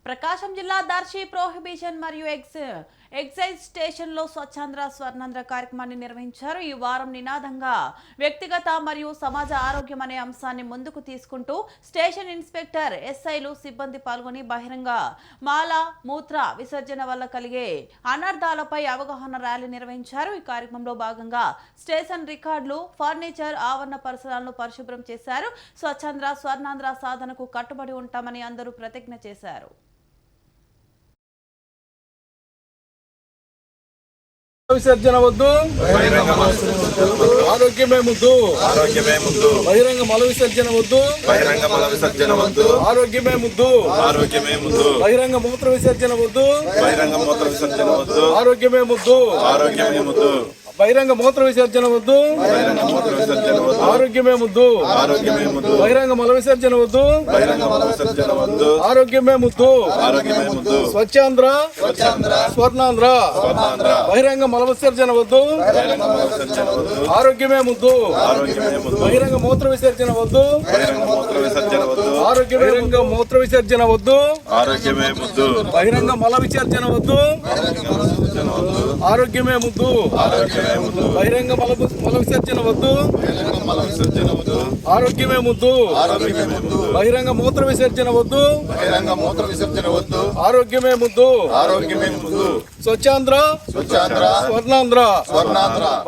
ప్రకాశం జిల్లా దర్శి ప్రొహిబిషన్ మరియు ఎక్సైజ్ స్టేషన్లో స్వచ్ఛాంధ్ర స్వర్ణాంధ్ర కార్యక్రమాన్ని నిర్వహించారు. ఈ వారం నినాదంగా వ్యక్తిగత మరియు సమాజ ఆరోగ్యం అనే అంశాన్ని ముందుకు తీసుకుంటూ స్టేషన్ ఇన్స్పెక్టర్, ఎస్ఐలు, సిబ్బంది పాల్గొని బహిరంగ మాల మూత్ర విసర్జన వల్ల కలిగే అనర్థాలపై అవగాహన ర్యాలీ నిర్వహించారు. ఈ కార్యక్రమంలో భాగంగా స్టేషన్ రికార్డులు, ఫర్నిచర్, ఆవరణ పరిసరాలను పరిశుభ్రం చేశారు. స్వచ్ఛాంధ్ర స్వర్ణాంధ్ర సాధనకు కట్టుబడి ఉంటామని అందరూ ప్రతిజ్ఞ చేశారు. విసర్జన వద్దు, ఆరోగ్యమే ముద్దు, బహిరంగ మల విసర్జన వద్దు, ఆరోగ్యమే ముద్దు, బహిరంగ మూత్ర విసర్జన వద్దు, ఆరోగ్యమే ముద్దు, బహిరంగ మూత్ర విసర్జన వద్దు, ఆరోగ్యమే ముద్దు, బహిరంగ మల విసర్జన వద్దు, ఆరోగ్యమే ముద్దు, స్వచ్ఛాంధ్ర స్వర్ణాంధ్ర, బహిరంగ మల విసర్జన వద్దు, ఆరోగ్యమే ముద్దు, బహిరంగ మూత్ర విసర్జన వద్దు, బహిరంగ మూత్ర విసర్జన వద్దు, బహిరంగ మల విసర్జన వద్దు, ఆరోగ్యమే ముద్దు, బహిరంగ మల విసర్జన వద్దు, ఆరోగ్యమే ముద్దు, బహిరంగ మూత్ర విసర్జన వద్దు, ఆరోగ్యమే ముద్దు, స్వచ్ఛాంధ్ర స్వర్ణాంధ్ర.